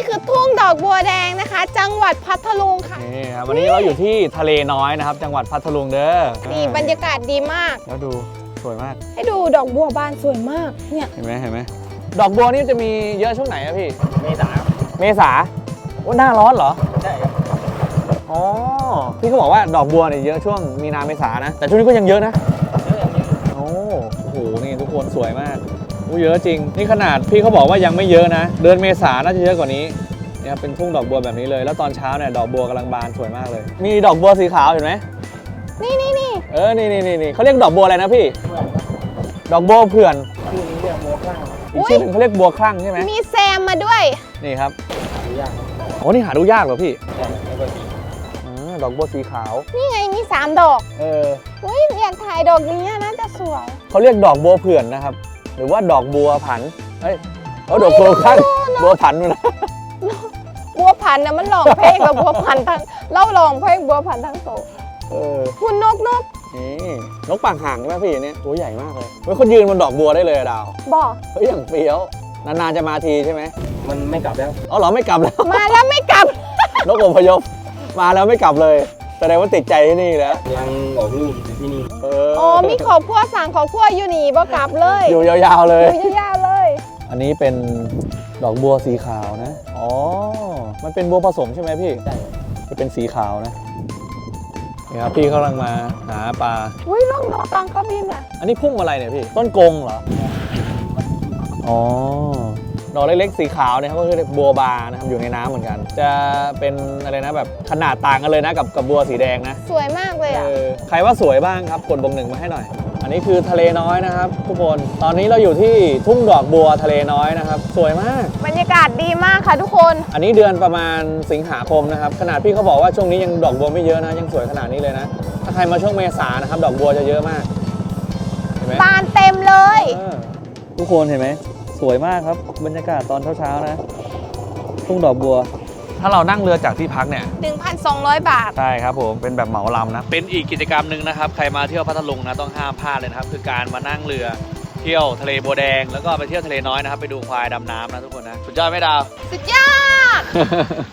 คือทุ่งดอกบัวแดงนะคะ จังหวัดพัทลุงค่ะนี่ครับวันนี้เราอยู่ที่ทะเลน้อยนะครับจังหวัดพัทลุงเด้อนี่บรรยากาศดีมากแล้วดูสวยมากให้ดูดอกบัวบานสวยมากเนี่ยเห็นไหมดอกบัวนี่จะมีเยอะช่วงไหนอะพี่เมษาเมษาว่าหน้าร้อนเหรอใช่ครับอ๋อพี่เขาบอกว่าดอกบัวเนี่ยเยอะช่วงมีนาเมษานะแต่ช่วงนี้ก็ยังเยอะนะโอ้โหนี่ทุกคนสวยมากเยอะจริงนี่ขนาดพี่เขาบอกว่ายังไม่เยอะนะเดือนเมษาน่าจะเยอะกว่านี้เนี่ยเป็นทุ่งดอกบัวแบบนี้เลยแล้วตอนเช้าเนี่ยดอกบัวกำลังบานสวยมากเลยมีดอกบัวสีขาวเห็นไหมนี่นี่เขาเรียกดอกบัวอะไรนะพี่ดอกบัวเผื่อนชื่อนี้เรียกบัวข้างอีกชื่อหนึงเขาเรียกบัวคลั่งใช่ไหมมีแซมมาด้วยนี่ครับหายากโอ้นี่หาดูยากเหรอพี่ใช่ไม่ค่อยมีดอกบัวสีขาวนี่ไงมี3 ดอก อุ้ยอยากถ่ายดอกนี้น่าจะสวยเขาเรียกดอกบัวเผื่อนนะครับหรือว่าดอกบัวผันดอกบัวคลั่งบัวผันนู่นนะบัวพันธุ์นะมันหลองเพลงกับบัวพันธุ์ทั้งเล่าหลองเพลงบัวพันธุ์ทั้งโตคุณนกนี่นกปากห่างใช่ไหมพี่เนี่ยตัวใหญ่มากเลยเฮ้ยเขายืนบนดอกบัวได้เลยอะดาวบอกเฮ้ยอย่างเฟี้ยวนานๆจะมาทีใช่ไหมมันไม่กลับแล้วอ๋อเหรอไม่กลับแล้วมาแล้วไม่กลับนกอพยพมาแล้วไม่กลับเลยแสดงว่าติดใจที่นี่แล้วยังออกลูกอยู่ที่นี่อ๋อมีขอบพัวสั่งขอบพัวอยู่นี่บ่กลับเลยอยู่ยาวๆเลยอยู่ยาวๆเลยอันนี้เป็นดอกบัวสีขาวนะอ๋อมันเป็นบัวผสมใช่ไหมพี่ใช่จะเป็นสีขาวนะนี่ครับพี่เขากำลังมาหาปลาอุ้ยลองดอกตังเขาบินอ่ะอันนี้พุ่มอะไรเนี่ยพี่ต้นกงเหรออ๋อดอกเล็กๆสีขาวเนี่ยครับก็คือบัวบานะครับอยู่ในน้ำเหมือนกัน จะเป็นอะไรนะแบบขนาดต่างกันเลยนะกับบัวสีแดงนะสวยมากเลยอ่ะใครว่าสวยบ้างครับกดบวก1มาให้หน่อย อันนี้คือทะเลน้อยนะครับทุกคนตอนนี้เราอยู่ที่ทุ่งดอกบัวทะเลน้อยนะครับสวยมากบรรยากาศดีมากค่ะทุกคนอันนี้เดือนประมาณสิงหาคมนะครับขนาดพี่เขาบอกว่าช่วงนี้ยังดอกบัวไม่เยอะนะยังสวยขนาดนี้เลยนะถ้าใครมาช่วงเมษานะครับดอกบัวจะเยอะมากเห็นไหมบานเต็มเลยทุกคนเห็นไหมสวยมากครับบรรยากาศตอนเช้าๆนะทุ่งดอกบัว ถ้าเรานั่งเรือจากที่พักเนี่ย 1,200 บาทใช่ครับผมเป็นแบบเหมาลำนะเป็นอีกกิจกรรมหนึ่งนะครับใครมาเที่ยวพัทลุงนะต้องห้ามพลาดเลยนะครับคือการมานั่งเรือเที่ยวทะเลบัวแดงแล้วก็ไปเที่ยวทะเลน้อยนะครับไปดูควายดำน้ำนะทุกคนนะสุดยอดไหมดาวสุดยอด